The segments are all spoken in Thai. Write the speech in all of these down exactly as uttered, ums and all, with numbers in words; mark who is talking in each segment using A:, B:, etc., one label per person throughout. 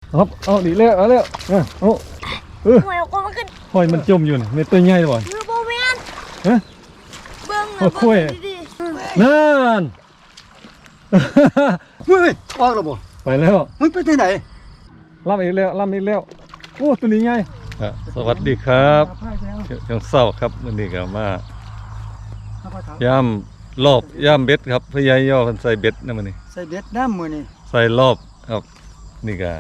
A: ครับเอาดีแล้วเอาแล้วเออเอาเออ
B: หอยก็มันขึ้น
A: หอยมันจมอยู่นี่ไม่ตัวใหญ่บ่
B: มือโบแมน
A: ฮะ
B: เบิ้ง
A: โอ้โห
B: ดี
A: นั่น
C: มึงออกแล้วบ่
A: ไปแล้ว
C: มึงไปที่ไหน
A: ล่ำอีกแล้วล่ำอีกแล้วโอ้ตัวนี้ใหญ่สวัสดีครับช่างเศร้าครับวันนี้ก็มาย่ำรอบย่ำเบ็ดครับพยายย่อกันใส่เบ็ดนะมันนี่
C: ใส่เบ็ดน้ำมือนี่
A: ใส่รอบครับนี่ก็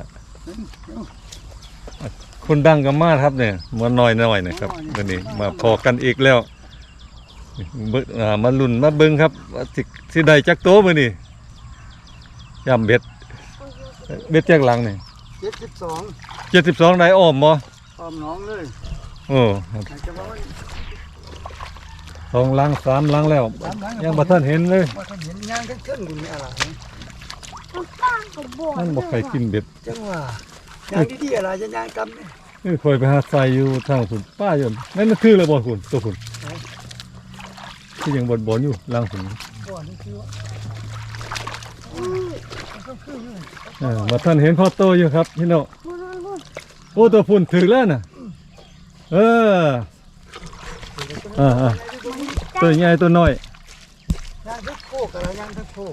A: คนดังกันมากครับเนี่ยมาหน่อยหน่อยนะครับวันนี้มาพอกันอีกแล้วเบิ่งอ่ามาลุ่นมาเบิ้งครับว่าสิสิได้จักโตมื้อนี้ย่ำเบ็ดเบ็ดแจกหลังนี่
C: เจ็ดสิบสอง
A: เจ็ดสิบสองได้อ้อมบ่
C: ออมน้องเลย
A: โอ้ครับ
C: อยากจะบอกว่า
A: สองหลังสามหลังแล้ว
C: สามหลัง
A: ยังบ่ทันเห็นเลย
C: ว่าท่านเห็นย่างขึ้นๆอยู่นี่อะไร
B: ๆมันตั้งกับบ่อ
A: มันบ่ใครกินเบ็ด
C: จังว่าย่างดีๆอะไรจะย่างกำเนี่ย
A: เอ้ยคอยไปหาใส่อยู่ทางคุณป้าอยู่นั่นมันคือระบ่คุณตัวคุณที่ยังบ่นๆอยู่หลังคุณ
C: ก่อนนี่คือว่ามันก็คืออยู่
A: เออบ่ทันเห็นพ่อโตอยู่ครับพี่น้อง
B: พูดพูด
A: โอ้ตัวพุ่นถึงแล้วน่ะเอออ่าๆตัวใหญ่ตัวน้อย
C: ย่างทั้งโคกอะไรย่างทั้งโคก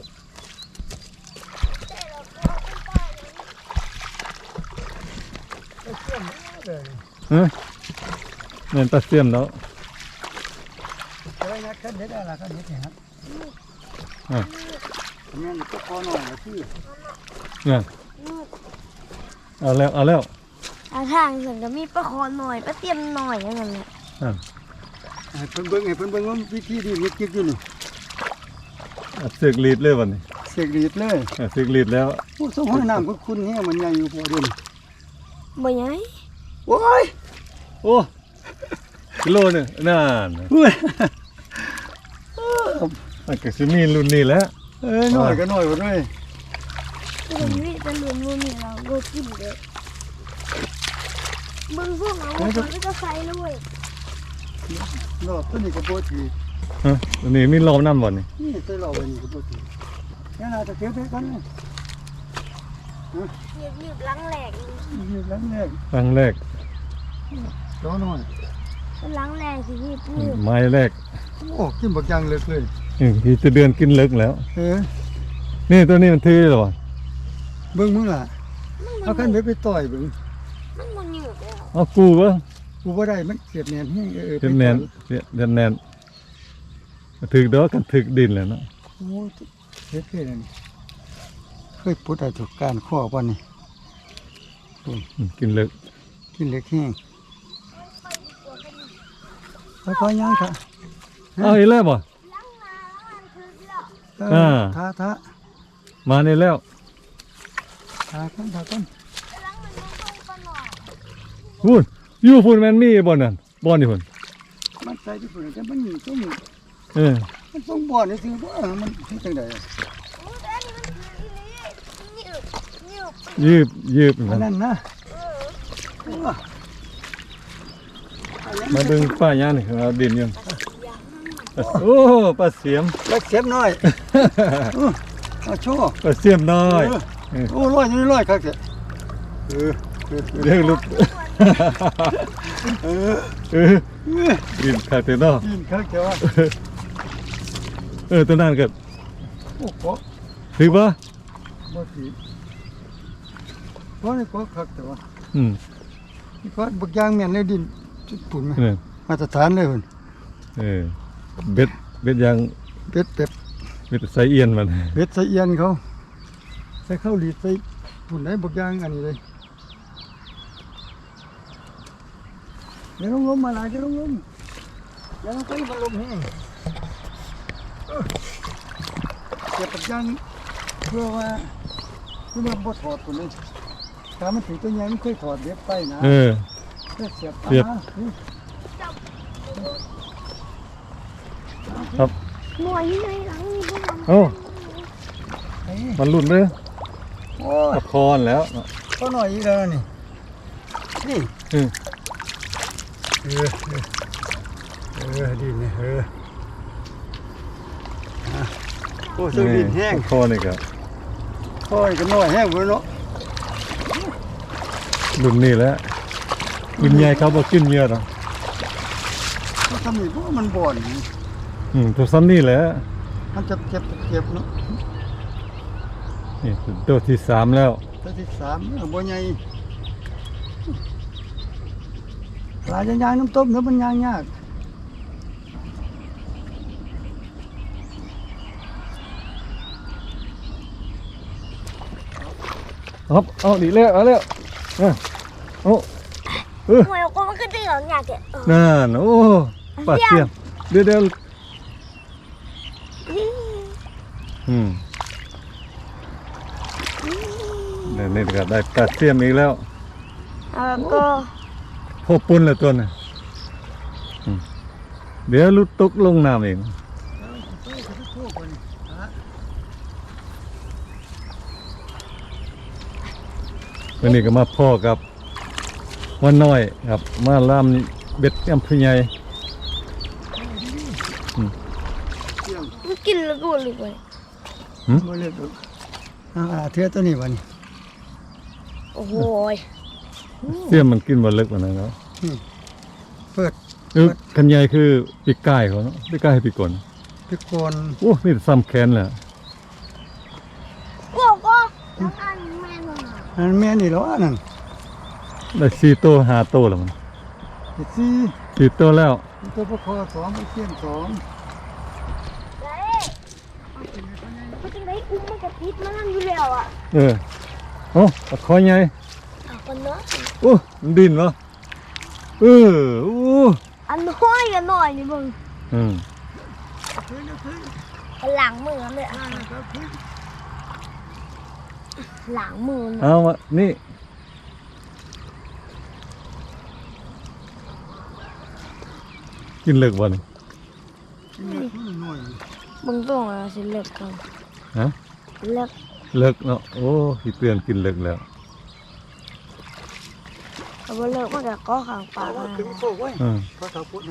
C: ไปเชื่อมเลย
A: ฮะเงินตาเสียมแล้ว
C: อะไรนะขั้นเด็ดอะไรขั้นเด็ดเนี่ยครับ
A: อ่า
C: เนี่ยก็พอหน่อยนะพี่
A: เนี่ยเอาแล้วเอาแล้ว
B: อาทางส่วนก็มีปลาคอหน่อยปลาเตียมหน่อยอย่างนั้นแหละ
A: อ่า
C: ให้เพิ่นเบิ่งให้เพิ่นเบิ่งว่าวิธีดีมันกิ๊กอยู่นี่
A: เอาเสือกรีดเลยวันนี้
C: เสกดีดเลย
A: เอาเสือกรีดแล้ว
C: โอ้สมห้องน้ำคุณเนี่ยมันใหญ่อยู่พอเดิน
B: บ่ใหญ่
C: โอ้ย
A: โอ้กิโลหนึงนั่น
C: เฮ้ย
A: มันก็สิมีรุ่นนี้แหล้ว
C: เอ้ยน้อยก็น้อยหมดเลย
B: มันมีแต่หลุมๆนี่เราโดนกินเลยมึงพวกเรามันก็จะใส่เลย
C: รอบตัวนี้ก็ปกติ
A: ฮะอันนี้มีรอบน้ำบ่นี่
C: นี่ใส่รอบไว้นี่ก็ปกติยังไงจะเก็บไปกันเลย
B: เหยียบเหยียบหลังแหลก
C: นี่หลังแรก
A: ครั้งแรก
C: ตัวน้อย
B: หลังแหลกสิพี่ปื้ม
A: ไม้แรก
C: โอ้กินบักยางเลิกเลย
A: อืมที่จะเดือนกินเลิกแล้ว
C: เออ
A: นี่ตัวนี้มันทื่อหรอวะ
C: เบิ่งมึงล่ะเอาคันไปไปต่อยเบิ่ง
B: มันมันหยืดแล้ว
A: เอากูวะ
C: กูบ่ได้มันเสียบแน่นแฮงเออ
A: เดือนแนนเดือนแนนถึกดอกกันถึกดินแล้วเนาะ
C: โอ้เฮ็ดเลยนี่เคยปุดได้ถูกการข้อบ่นี่
A: อืมกินเลิก
C: กินเล็กแห้งไปพอย่างค่ะ
A: เอาอีกแล้วบ่
B: หลังนามันคือแล้ว
C: เอ
A: อ่า
C: อท้าท้า
A: มานี่แล้ว
C: ท้ากันท้ากัน
B: หลังมันต้องต้องปนหน่อย
A: พูดอยู่พูดแมนมีบ่นั่นบ่นี่พุ่น
C: มันใส่ที่ฝุ่นแต่มันต้อง
A: เออ
C: มันต้องบ่อนนี่สิว่ามันเฮ็ดจังได๋
B: โอ้แต่อันนี้มันคืออีหลีหยืดหยืด
A: ยืบยืบ
C: อัน
A: นะ
C: นั้นนะ
A: มาดึงป้าย่านี่เอาดินยังโอ้ปลาเสียม
C: เล็กเสียบน้อยเออเอาโชว์
A: ปลาเสียมน้อย
C: เออโอ้ร้อยอยู่นี่ร้อยครับเออเออ
A: เรียกลูก
C: เออ
A: เออดินขาดเต็มเนาะ
C: กินครับเจ้าว่า
A: เออตัวนั้นก็
C: โอ้โห
A: ถือป่ะ
C: บ่สิเพราะนี่ก็คักแต่ว่า
A: อืม
C: นี่ก็บักยางแม่นในดินจุดปุ่นไหม
A: นี่
C: มาตรฐานเลยพุ่น
A: เออเบ็ดเบ็ดยาง
C: เป็ดเป็ด
A: เบ็ดไซเอียนมัน
C: เป็ดใส่เอียนเขาใส่ข้าวหลีดใส่ปุ่นได้บักยางอันนี้เลยเดี๋ยวลงลมมาหลายเดี๋ยวลงลมเดี๋ยวลงไปมันลมแห้งเออเก็บบักยางเพื่อว่าเพื่อว่าบ่ถอดปุ่นเลยถ้ามันถึงตัวใหญ่มันเคยถอดเบ็ดไปนะ
A: เออ
C: เพื่อเสียบ
A: เสียบ
C: ตานี่
A: ครับ
B: หน่วยที่ในหลังนี่พวกมัน
A: โอ้
C: ไอ้
A: มันหลุดเลย
C: โอ้ย
A: ตะคอนแล้ว
C: ก็หน่อยอีกแล้วนี่นี่
A: เออ
C: เออเออเออดีนี่เอออ่ะโอ้สู้ดินแห้ง
A: ตะคอนี่ก็
C: โอ้ยก็น้อยแห้งเว้ยเนาะ
A: รุ่นนี้แหล้วรุ่นใหญ่เขาบ่กินเยอะหรอก
C: มันทำนี่เพราะว่ามันบ่อน
A: อืมตัวซ้ำนี่แหละ
C: มันจะเจ็บเจ็บเนาะ
A: นี่ตัวที่สามแล้ว
C: ตัวที่สามเนี่ยบ่ใหญ่ปลาจะย่างน้ำต้มแล้วมันย่างยาก
A: ครับเอาดีแล้วเอาแล้วเอาเอาเออ
B: หวยก็มันก็ตีหลังอยากแกะ
A: นั่นโอ้ปลาเสียมเดี๋ยวเดี๋ยวอืมเดี๋ยวนี่ก็ได้ปลาเสียมอีกแล้ว
B: แล้วก็
A: พบปุ่นแล้วตัวน่ะอืมเดี๋ยวลุดตกลงน้ำเองวันนี้ก็มาพ่อกับวันน้อยครับมาล่ามเบ็ดแอมพใหญ่
B: มันกินแล้วก็เลยไป
C: บ่เลือกดอกอ่าเทือตัวนี้วันนี้
B: โอ้โห
A: เสียมมันกินบ่เล็กกว่านั้นเนาะ
C: เปิด
A: เออคันใหญ่คือปีกไก่เขาเนาะปีกไก่ให้ปีกก่อน
C: พิกล
A: โอ้นี่ซ้ำแขนแหละ
B: ก็ก็น้องอันแม่นอ่ะ
C: อันแม่นี่แล้วอันนั้น
A: ได้สี่ตัวห้าตัวแล้วมัน
C: เจ็ดสี่
A: สี่ตัวแล้ว
C: ตัวประคอสองไปเสี้ยนสอง
B: เลยเขาจะได้อุ้มมันกับพิษมันนั่นอยู่แล้วอ่ะ
A: เออโอ้ตะคอยใหญ่
B: อ่ะคนเนาะ
A: โอ้มันดินวะเออโอ้
B: อันน้อยกันหน่อยนี่มึง
A: อืม
B: หลังมือเลยอ่ะหลังมือ
A: เอามานี่กินเลิกวัน
C: หน่อย
B: มึงต้องอะไรสิเลิกกัน
A: ฮะ
B: เลิก
A: เลิกเนาะโอ้พี่เตือนกินเลิกแล้ว
B: เอาไปเลิกมันก็ก็ขังปาก
C: ว่า
B: นะ
C: คือโชคไว้
A: อืม
C: พระสาวพุทธให้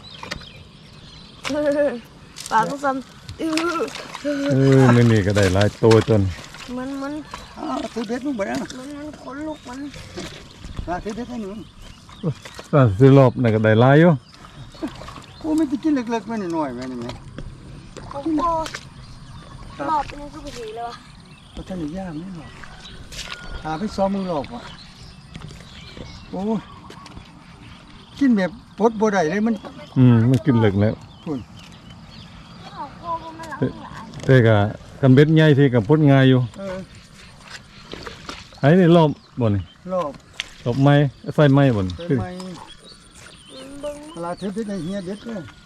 B: ปากก็ซ้ำอื้อ
A: เออไม่นี่ก็ได้หลายตัวจน
B: มันมัน
C: อ้าวถือเบ็ดมึงบ่ได้
B: มันมันขนลุกมัน
C: มาถือเบ็ดให้หนู
A: ตอนซื้อรอบนั่นก็ได้หลายอยู่
C: กูไม่ได้กินเล็กๆไม่น้อยๆแม่นี่แม่
B: โอ้โหหลอบเป็นทุกสีเลยวะ
C: เพราะท่านนี่ย่างไม่หรอกหาไปซ้อมมึงหลอกว่ะโอ้ยกินแบบปดบ่ได้เลยมัน
A: อืมมันกินเลิกแล้ว
C: พุ่น
B: โอ้โหมันหลังหลาย
A: แต่ก็กันเบ็ดใหญ่ที่กับพดง่ายอยู่
C: เออ
A: ไอ้นี่รอบบ่นี่
C: รอบ
A: รอบไม้ใส่ไม้บ่น
C: เป็นไม้
B: บึ้ง
C: เวลาถือเบ็ดในเฮียเบ็ดเลย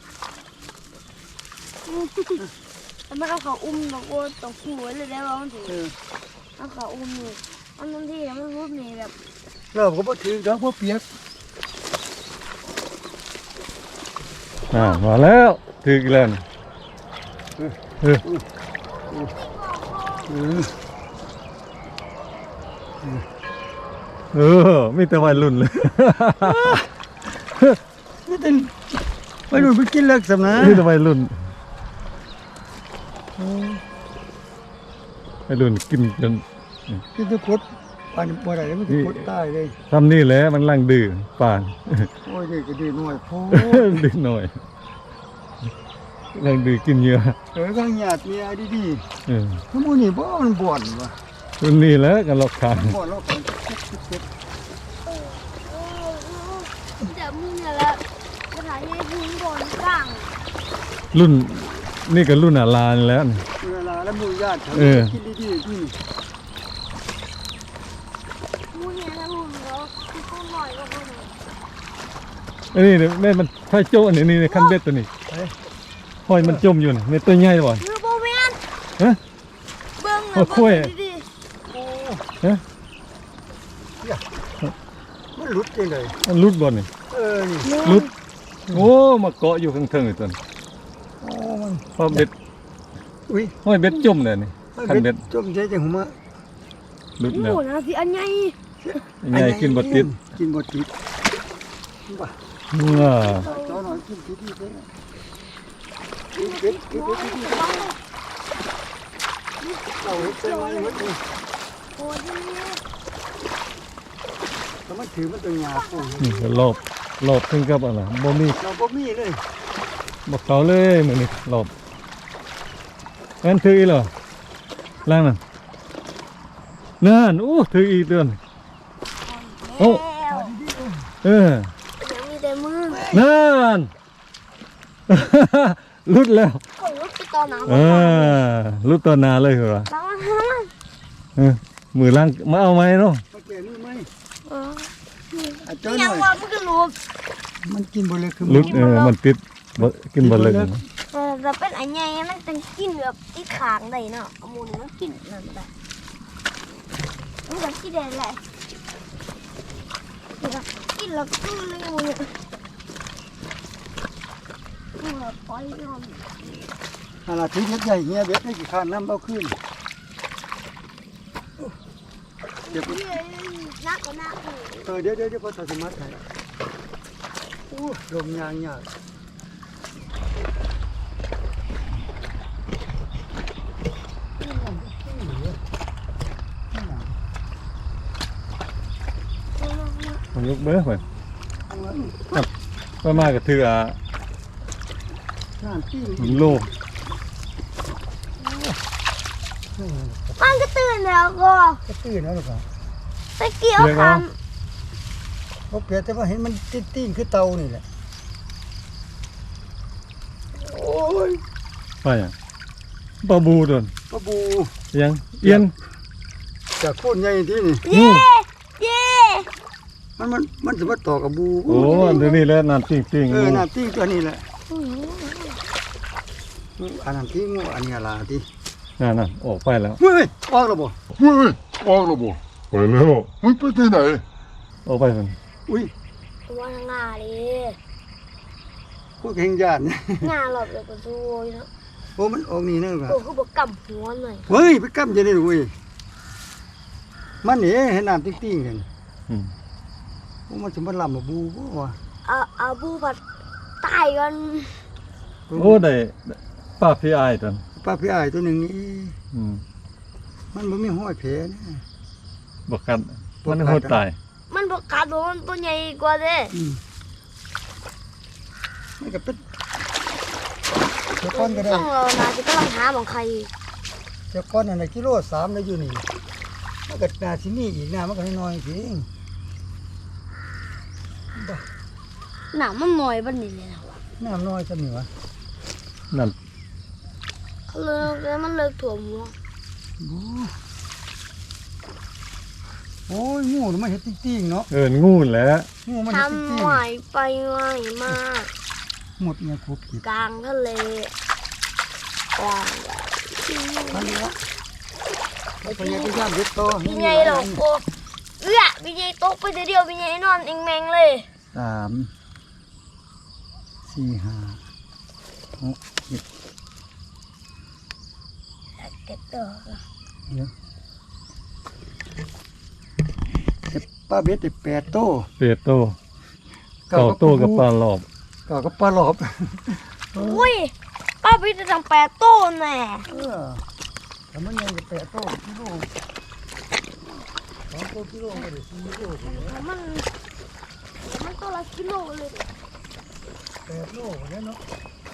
B: แล้วมันเอาเขาอุ้มตะโกนตกหัวเลยได้ว่ามันถือ
C: เออ
B: เอาเขาอุ้มนี่มันบางทีมันรูปนี่แบบ
C: รอบก็บ่ถือดอกบ่เปียก
A: อ่ามาแล้วถึกแล้วนี่เออ
C: เออ
A: เออมีแต่วัยรุ่นเลย
C: นี่เป็นไปดูไปกินเลิกสำนะ
A: มีแต่วัยรุ่นวัยรุ่นกินจน
C: กินจะพดปานบ่ได้เลยมันจะพดตายเลย
A: ทำนี่แหละมันล่างดื้อป่าน
C: โอ้ยเด็กก็ดีหน่อยโพ
A: ดื้อหน่อยล่างดื้อกินเยอะ
C: เออก็หยาดเมียดี
A: เออ
C: ๆทั้งหมดนี่บ่มันบ่อนว่ะ
A: รุ่นนี้แหล้วกันหลอกขาน
C: บ่อนเราคนเจ็บ
B: จะมึงเนี่ยแหละสถานีพื้นบนกลาง
A: รุ่นนี่ก็รุ่นอาลานแล้วนี่
C: เวลาแล้วหมู่ญาติเขา
A: เออ
C: กินดีๆที่นี่
B: มึงเนี่ยนะมึงเหรอคือคนหน่อยก็คนหน่อย
A: อันนี้เนี่ยแม่มันไฟโจ้อันนี้นี่คันเบ็ดตัวนี้ห้อยมันจมอยู่นี่แม่ตัวใหญ่บ่อน
B: คือโบเวน
A: ฮะ
B: เบิ้ง
A: โอ้
B: นะ
A: โค้ย
B: เบิ้งดี
A: ฮะ
C: มันหลุดจังได๋
A: มันรุดบ่อนนี่
C: เออนี่
B: ๆ
A: รุดโอ้มาเกาะอยู่ข้างเทิงอีกตัวนี้
C: โอ้มัน
A: เพราะเบ็ด
C: อุ้ย
A: ห้อยเบ็ดจมเลยนี่คันเบ็ด
C: จมใจจังหัวมา
A: รุด
B: โอ้
A: แล้ว
B: โหนะสิอันใหญ่
A: ใหญ่กินบ่ติด
C: กินบ่ติดบ่
A: ว้า
C: เจ้าหน่อยกินดีๆเด้อกินเบ็ดกินเบ็ดดีๆเอาเฮ็ดใส่ไว้หมดเลย
B: โอ้ยนี่
C: แต่มันถือมันเป็นหญ้าปูน
A: นี่ก็รอบรอบถึงกับอะไรบ่มี
C: เราบ่มีเลย
A: บ่เขาเลยมื้อนี้รอบงั้นถืออีกเหรอล่างนั่นนั่นอู้ถืออีกเดือน โอ้
B: แล้ว
A: เออ
B: ยังมีแต่มือ
A: นั่น ลุดแล้ว
B: คนลุกไปตอนหนาว
A: เออลุดตัวหนาเลยเหรอ
B: ล้างล้าง
A: เออมือล่างมาเอาไหมเนาะ
C: มาแก่นี่ไหม
B: เออ
C: อาจารย์ห
B: ยั
C: น่
B: ง
C: อย
B: ว่ามันก็ลุก
C: มันกินบ่เลยคือ
A: ลุดเออมันติดบ่กินบ่เลย
B: เออแต่เป็นอันใหญ่มันเป็นกินแบบที่ขางได้เนาะเอามูลมันกินนั่นได้มันก็กินได้แหละมันก็กินแล้วก็เลยมูลเนี่ยเออปล่อยยอม
C: ขนาดที่เฮ็ดใหญ่เฮียเบ็ดได้กี่คันน้ำเอาขึ้นเดี๋ยว
B: เฮ้ยนักก็นักเลย
C: เออเดี๋ยวเดี๋ยวเดี๋ยวพอตัดสมาร์ทไทยอู้ลมยางยาก
A: ผมยกเบ้อไปไปมาก็ถืออ่ะ
C: น้ำปิ้ง
A: โล
B: มันก็ตื่นแล้วก็
C: ก็ตื่นแล้วหรือเปล่า
B: ตะเกียบคัน
C: เพราะเปลี่ยนแต่ว่าเห็นมันติ้งๆคือเตานี่แหละโอ้ย
A: ไปอ่ะปลาบูโดน
C: ปลาบู
A: ยังเอียน
C: จากโคนใหญ่ที่นี่
B: เย่เย่
C: มันมันมันจะมาต่อกับบู
A: โอ้เดี๋ยวนี้แหล้วน้ำจริงๆ
C: เออน้ำติ้งตัวนี้แหละอันน้ำติ้งอันนี้อะไรที่
A: นั่นน่ะออกไปแล้ว
C: เฮ้ยออกแล้วบ่
D: เฮ้ยออกแล้วบ่ไปแล้วมึงไปที่ไหน
A: ออกไปมัน
C: อุ้ย
B: ตัวงาเลย
C: พวกแห่งญาติเนี่ย
B: งาหลบเลยก็ซวยเนาะ
C: โอ้มันออกนี่นะครั
B: โอ้
C: บ
B: คือบอกกำหัวหน่อย
C: เฮ้ยไปกำจะได้ด้วยมันนี่เห็นน้ำติ้งๆกัน
A: อืม
C: โอ้มันจะมาลำมาบูบ่วะ
B: เอาเอาบูผัดตายกัน
A: โอ้ได้ป้าพี่อายตอน
C: ปลาพี่อ้ายตัวหนึ่งนี่
A: อืม
C: มันบ่มีห้อยแผลนะ
A: บ่กัด
C: บ่กัด
A: มันโหดตาย
B: มันบอกกัดโดนตัวใหญ่กว่าเด้
C: อืมมันก็เป็นเจ้าก้อนก็ได้
B: ต้องเรานาจะกำลังหาของใคร
C: เจ้าก้อนอะไรกิโลสามได้อยู่นี่มันก็นาที่นี่อีกนะมันก็น้อยๆสิ
B: หนามันหน่อยบันนี้เลยนะ
C: น้ำน้อยจะมีวะ
A: นั่น
B: เขาเลยแล้วมันเลิกถ่วมหัว
C: บูโอ้ยงูมันเห็ดติ้งๆเนาะ
A: เอิ้นงูแหล้ว
C: งูมันเห็ดติ้
B: ทำ
C: ง
B: ไหวไปไหวมา
C: ๆหมดเนี่ยครบขีด
B: กลางทะเลกลางแบบ
C: ทันนี้ละไปยังไปย่ามเด็ดโต
B: พี่ใหญ่หรอกโอ้เอื้อพี่ใหญ่ตกไปเดียวพี่ใหญ่นอนเองแมงเลย
C: สามสี่ห้าหกเจ็ด
B: เก็บตัว
C: เดี๋ยวเก็บปลาเบ็ดได้แปดโต
A: เป็ดโตเก่าโตกับปลาหลอบ
C: เก่ากับปลาหลอบ
B: อุ้ยป้าพี่จะทำแปดต้นแน่
C: เออแต่มันยังจะแปดโตกิโลสองโตกิโลก็ได้สี่โลก็ได้
B: มันมันตัวละกิโลเลย
C: แปดโลก็ได้เนาะ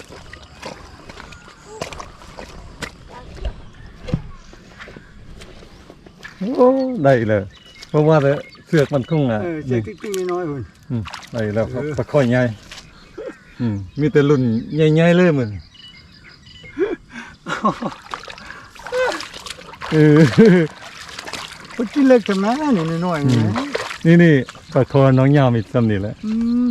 A: โอ้ได้เลยเพราะว่าแต่เสือกมันคงอ่ะ
C: เออเจ๊ติ๊งๆน้อยๆพุ่น
A: อืมได้แล้วครับ
C: เออ
A: ปลาค่อยใหญ่อืมมีแต่รุ่นใหญ่ๆเลยมึงเออ
C: มันกินเล็กจังนะนี่น้อยๆนี่นะ
A: นี่นี่ปลาคอน้องยาวมีซ้ำนี่แหละ
C: อืม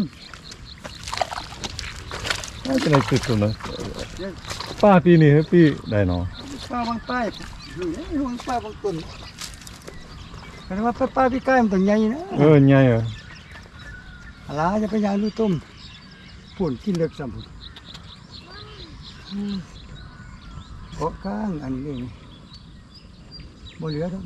A: น่าจะได้สุดๆเลยป้าปีนี้ครับพี่ได้เนาะ
C: ป้าบางใต้นี่บางป้าบางต้นแต่ว่าป้าป้าพี่ใกล้มันต้องใหญ่นะ
A: เออใหญ่เหรอ
C: อะไรจะไปยางดูต้มปุ่นกินเล็กซ้ำพุ่นอืมเกาะกลางอันนี้นี่บ่เหลือแล้ว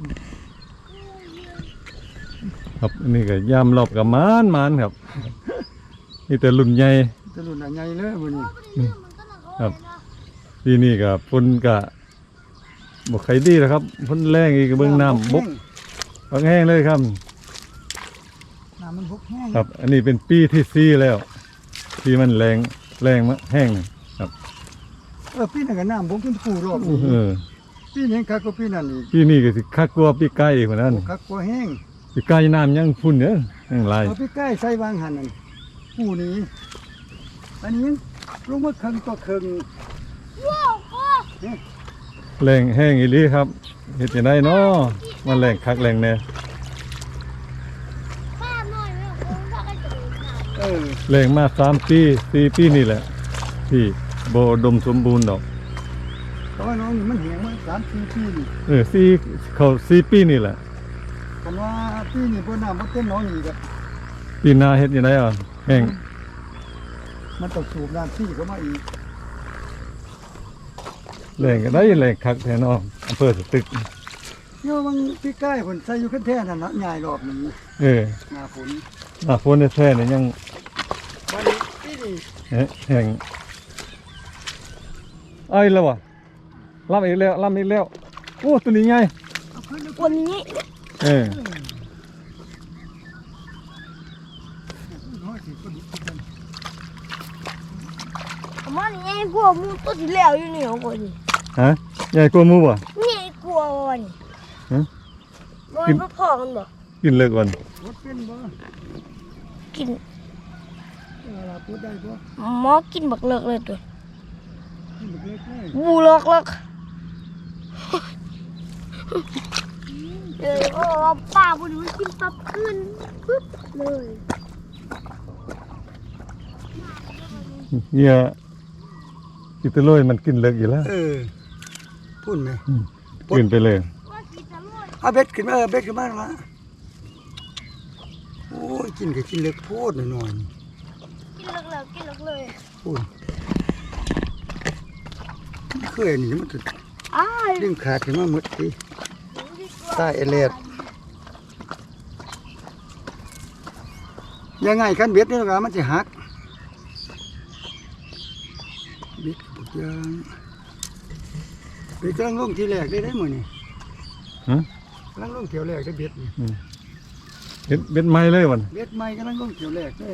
A: ครับอันนี่ก็ยามรอบกับมานมานครับนี่แต่รุ่นใหญ่
C: ตะลุนอันใหญ่เลยมื้อนี้
A: ครับปีนี้ก็ฝนก็บ่ใครดีแล้วครับฝนแรงอีกเบิ่งน้ำบกบางแห้งเลยครับ
C: น้ำมันบกแห้ง
A: ครับ อันนี้เป็นปีที่สี่แล้ว ที่มันแรงแรงมากแห้งนี่ครับ
C: เออปีนั้นก็น้ำบกขึ้นกูรอบ
A: เออ
C: ปีนี้คักกว่าปีนั้นอีก
A: ปีนี้ก็สิคักกว่าปีไก่อีกว่านั้น
C: คักกว่าแห้ง
A: ปีไก่น้ำยังพุ่นเด้อยังหลาย
C: เอาไปใกล้ใส่วางหันนั่นกูนี้อันนี้ลงมาครึ่งต่อครึ่ง
B: ว้าวพ่อ
A: แรงแห้งอีหลีครับเฮ็ดจังไดเนาะมันแรงคักแรงแน่
B: ป้าหน่อยไม่เอาผมถ้าก็จะดูข่าว
C: เออ
A: แรงมาสามปีสี่ปีนี่แหละที่บ่อุดมสมบูรณ์ดอก
C: แต่ว่าน้องนี่มันแห้งมาสามสี่ปีนี่
A: เออสี่เข้าสี่ปีนี่แหละ
C: คันว่าปีนี้บ่น้ำบ่เต็มน้องนี่ก็
A: ปีหน้าเฮ็ดจังไดอ่ะแห้ง
C: มันต้องสูบน้ำที่เข้ามาอีก
A: แรงก็ได้แรงคักแท้เนาะอำเภอสตึก
C: เนาะบางปีใกล้เพิ่นใส่อยู่คันแท้นั่นน่ะใหญ่รอบนี้
A: เออ
C: หน้าฝน
A: หน้าฝนแท้ๆนี่ยัง
C: วันนี้ปีนี้
A: แฮแห้งเอ้ยแล้วว่ะล่ำอีกแล้วล่ำอีกแล้วโอ้ตัวนี้ใหญ่
C: เอาขึ้นเอา
B: วันนี้
A: เออ
C: น้อยสิก็ดีขึ้น
B: ผมว่านี่ไอ้กลัวมูตัวที่แล้วอยู่นี่ของคนนี่
A: ฮะใหญ่กว่าหมูบ่
B: นี่ไอ้กลัววันนี่
A: ฮะ
B: มันก็พอกันบ่
A: กินเลิกก่อน
C: รถเป็นบ่
B: กิน
C: เออล่ะพูดได้บ่
B: หมอกินบักเลิกเลยตัว
C: นี่มันเล็กเลย
B: บูเลิกเลิกเออโอ้ป้าบุญมันกินปั๊บขึ้นปึ๊บเลย
A: เนี่ยกินแตะโลยมันกินเลิกอยู่แล้ว
C: เออพูดไหม
A: กินไปเลย
B: ว่ากินจะรวย
C: เอาเบ็ดขึ้นมาเออเบ็ดขึ้นมาละโอ้ยกินก็กินเล็กโพดหน่อย
B: กินเลิกเลิกกินเลิกเลย
C: ๆพูดเคยนี่มันจะ
B: อ้าย
C: ดึงขาดขึ้นมาหมดทีใต้เอเลดยังไงคันเบ็ดนี่ล่ะมันจะหักเบ็ดปุกยางเบ็ดกำลังลงทีแรกได้ได้หมดนี่
A: ฮะ
C: กำลังลงเที่ยวแรกได้เบ็ดนี่
A: เบ็ดเบ็ดไม้เลยวัน
C: เบ็ดใหม่กำลังลงเที่ยวแรกเลย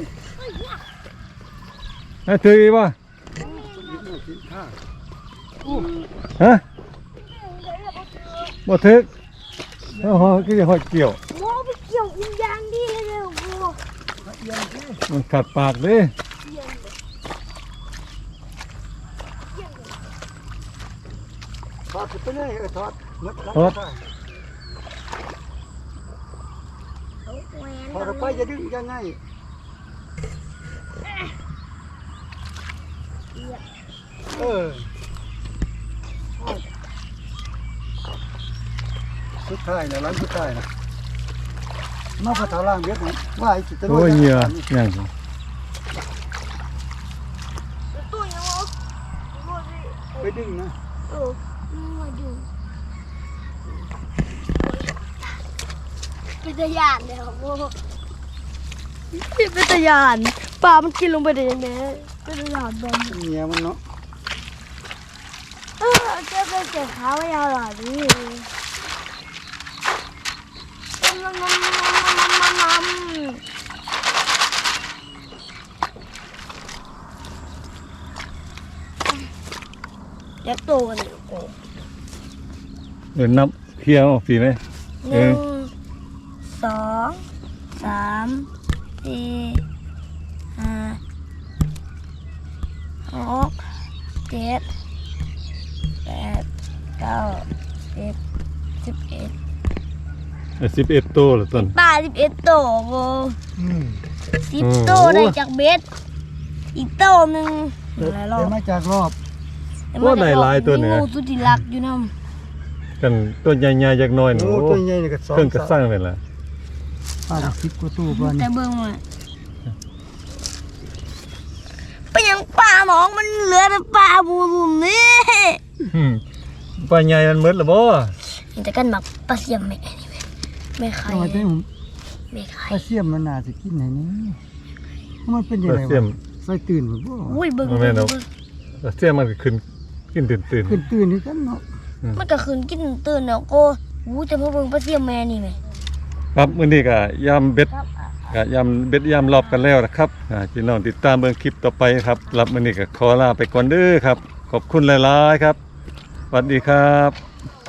A: ไอ้ถืออีกป่ะ
C: เบ็ดหมดกินข้าว
A: ฮะบ่ถึกเฮาคือหอยเกี่ยว
B: หมอไปเกี่ยวอุ้งยางดีเลยเร็วกู
C: ละเอียดสิ
A: มันขัดปากเด้
C: ถอดไปเลยเออถอดหมดแล้ว
A: ถอด
C: ถอดออกไปจะดึงยังไงเออสุดท้ายนะร้านสุดท้ายนะมาพอเท่าล่างเบ็ดนะว่าไอ้จิตตะ
A: โอ้ยเหยื่อยัง
B: ตู้ยังวะ
C: ไปดึงนะ
B: เออมาดูเป็นตะยานเลยครับโอ้เป็นตะยานปลามันกินลงไปได้ยังไงเป็นตะยานบอล
C: เมียมันเนาะ
B: เออเจ้าเป็นเจ็บขาไม่ยาวหรอนี่น้ำน้ำน้ำน้ำน้ำเด็กโตกันอยู่โอ้
A: เออนับเคลียร์ออกสิไหม
B: หนึ่งสองสามสี่ห้าหกเจ็ดแปดเก้าสิบสิบเอ็ด
A: สิบเอ็ดโตละต้น
B: ปลาสิบเอ็ดโตโบ
C: อืม
B: สิบ
A: โอ้
B: โตได้จากเบ็ดอีกโตหนึ่งหลายรอ
C: เดี๋ย
B: บ
C: วมาจากรอบ
A: ว่าได้หลายตัวเนี่ย
B: มีงูสุดที่รักอยู่น้
A: กันตัวใหญ่ๆจักหน่อยหนู
C: โอ้ตัวใหญ่นี่ก็สอง
A: เครื่องกระสร้างเลยล่ะ
C: ป้าได้สิบกว่าตู้บ้าน
B: ำแต่เบิ่งมาเป็นยังปลาหมองมันเหลือแต่ปลาบูรุมนี่
A: อืมปลาใหญ่มันหมดละบ่
B: เห็นแต่กันหมักปลาเสียมแม่นี่แม่แม่ไข่
C: เอาไว้ได้ผม
B: แม่ไข่
C: ปลาเสียมมันน่าจะกินไหนนี่มันเป็นยัง
A: ปลา
C: ไง
A: เสียว
C: ะ
A: ม
C: ใส่ตื่นหมดบ่
B: อุ้ยเบิ่ง
A: บ่
B: เบิ่
A: แม่
B: ง
A: นหรอก
B: เบิ่ง
A: ปลาเสียมมันก็ขึ้นกินตื่น
C: ขึ้นตื่นนี่กันเนาะ
B: มันก็คืนกินตื่นแล้วก็อู้แต่พอเบิ่งปลาเสียมแม่นี่แม่
A: ๆครับมื้อนี้ก็ยามเบ็ด
B: ครับ
A: ก็ยำเบ็ดยำรอบกันแล้วนะครับอ่าพี่น้องติดตามเบิ่งคลิปต่อไปครับรับมื้อนี้ก็ขอลาไปก่อนเด้อครับขอบคุณหลายๆครับสวัสดีครับ